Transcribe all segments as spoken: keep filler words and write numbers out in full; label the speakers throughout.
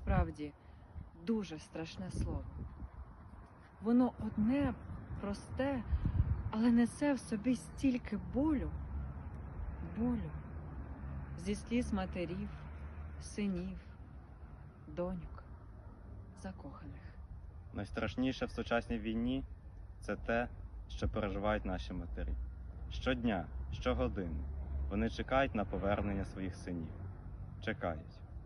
Speaker 1: насправді дуже страшне слово. Воно одне, просте, але несе в собі стільки болю, болю зі сліз матерів, синів, доньок, закоханих.
Speaker 2: Найстрашніше в сучасній війні – це те, що переживають наші матері. Щодня, щогодини вони чекають на повернення своїх синів. Чекають.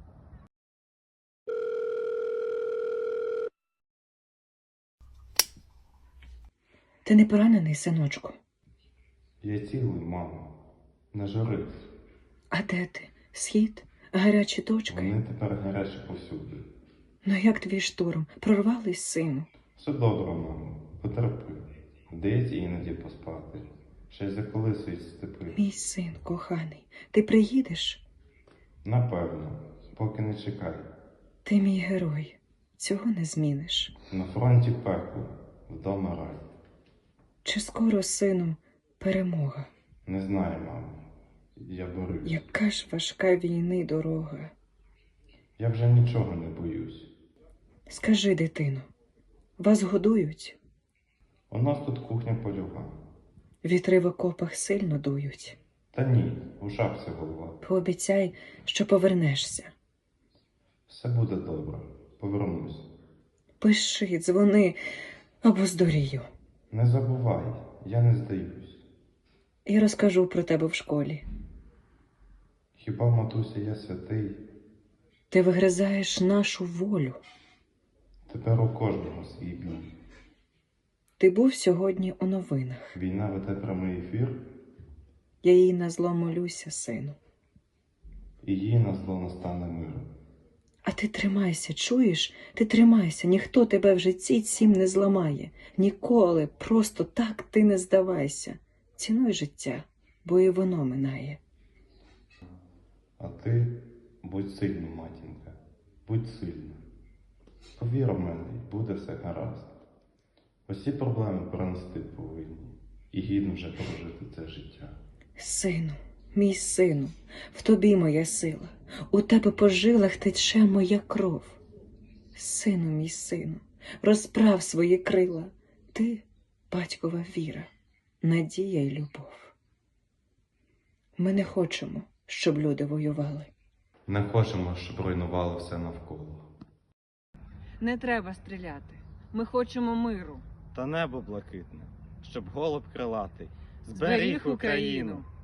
Speaker 3: Ти не поранений, синочку?
Speaker 4: Я цілий, мамо. Не журись.
Speaker 3: А де ти? Схід? Гарячі точки?
Speaker 4: Вони тепер гарячі повсюди.
Speaker 3: Ну як твій штурм? Прорвались, сину?
Speaker 4: Все добре, мамо. Потерпи. Дається іноді поспати. Ще й заколисують степи.
Speaker 3: Мій син, коханий, ти приїдеш?
Speaker 4: Напевно. Поки не чекай.
Speaker 3: Ти мій герой. Цього не зміниш.
Speaker 4: На фронті пекло. Вдома рай.
Speaker 3: Чи скоро, сину, перемога?
Speaker 4: Не знаю, мамо. Я борюсь.
Speaker 3: Яка ж важка війни дорога.
Speaker 4: Я вже нічого не боюсь.
Speaker 3: Скажи, дитино, вас годують?
Speaker 4: У нас тут кухня польова.
Speaker 3: Вітри в окопах сильно дують.
Speaker 4: Та ні, у шапці голова.
Speaker 3: Пообіцяй, що повернешся.
Speaker 4: Все буде добре. Повернусь.
Speaker 3: Пиши, дзвони або здурію.
Speaker 4: Не забувай, я не здаюсь.
Speaker 3: І розкажу про тебе в школі.
Speaker 4: Хіба, матуся, я святий?
Speaker 3: Ти вигризаєш нашу волю.
Speaker 4: Тепер у кожного свій бій.
Speaker 3: Ти був сьогодні у новинах.
Speaker 4: Війна веде прямий ефір,
Speaker 3: Я їй на зло молюся, сину.
Speaker 4: і їй на зло настане мир.
Speaker 3: А ти тримайся, чуєш? Ти тримайся, ніхто тебе в житті цім не зламає. Ніколи, просто так ти не здавайся. Цінуй життя, бо і воно минає.
Speaker 4: А ти будь сильна, матінка, будь сильна. Повір у мене, і буде все гаразд. Усі проблеми перенести повинні, і гідно вже прожити це життя.
Speaker 3: Сину, мій сину, в тобі моя сила, у тебе по жилах тече моя кров. Сину, мій сину, розправ свої крила, ти – батькова віра, надія й любов. Ми не хочемо, щоб люди воювали.
Speaker 4: Не хочемо, щоб руйнувало все навколо.
Speaker 1: Не треба стріляти. Ми хочемо миру.
Speaker 2: Та небо блакитне, щоб голуб крилатий
Speaker 1: Зберіг Україну.